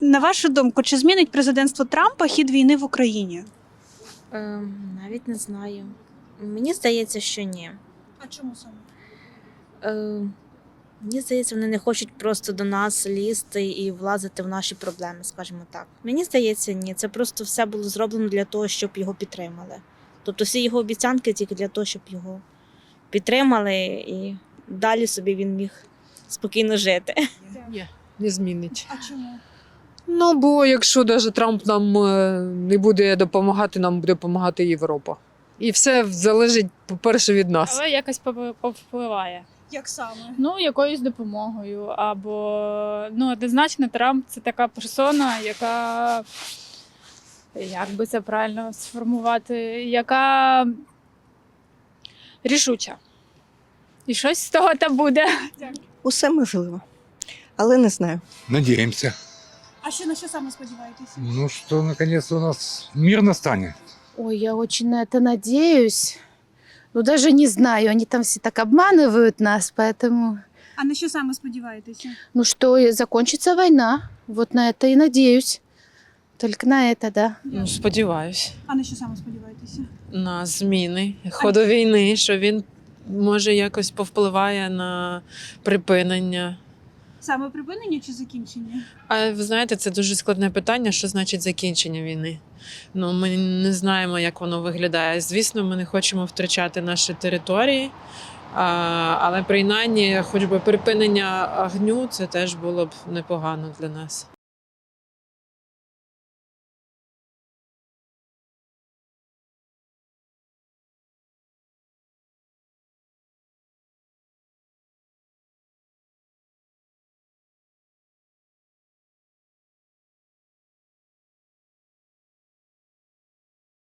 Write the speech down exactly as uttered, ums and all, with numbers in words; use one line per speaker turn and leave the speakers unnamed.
На вашу думку, чи змінить президентство Трампа хід війни в Україні?
Е, навіть не знаю. Мені здається, що ні.
А чому саме?
Е, мені здається, вони не хочуть просто до нас лізти і влазити в наші проблеми, скажімо так. Мені здається, ні. Це просто все було зроблено для того, щоб його підтримали. Тобто всі його обіцянки тільки для того, щоб його підтримали і далі собі він міг спокійно жити.
Ні, не змінить.
А чому?
Ну, бо якщо навіть Трамп нам е, не буде допомагати, нам буде допомагати Європа. І все залежить, по-перше, від нас.
Але якось поп- повпливає.
Як саме?
Ну, якоюсь допомогою. Або ну, однозначно, Трамп це така персона, яка, як би це правильно сформувати, яка рішуча. І щось з того там буде.
Усе можливо, але не знаю.
Надеемся.
А що на що саме сподіваєтеся?
Ну, что наконец-то у нас мир настанет.
Ой, я очень на это надеюсь. Ну, даже не знаю, они там все так обманывают нас, поэтому...
А на що саме сподіваєтеся?
Ну, что и закончится война. Вот на это и надеюсь. Только на это, да.
Ну, сподіваюсь,
А на що саме сподіваєтеся?
на зміни ходу війни, що він може якось повпливає на припинення.
Саме припинення чи закінчення?
А ви знаєте, це дуже складне питання, що значить закінчення війни. Ну, ми не знаємо, як воно виглядає. Звісно, ми не хочемо втрачати наші території, а, але принаймні, хоч би припинення огню, це теж було б непогано для нас.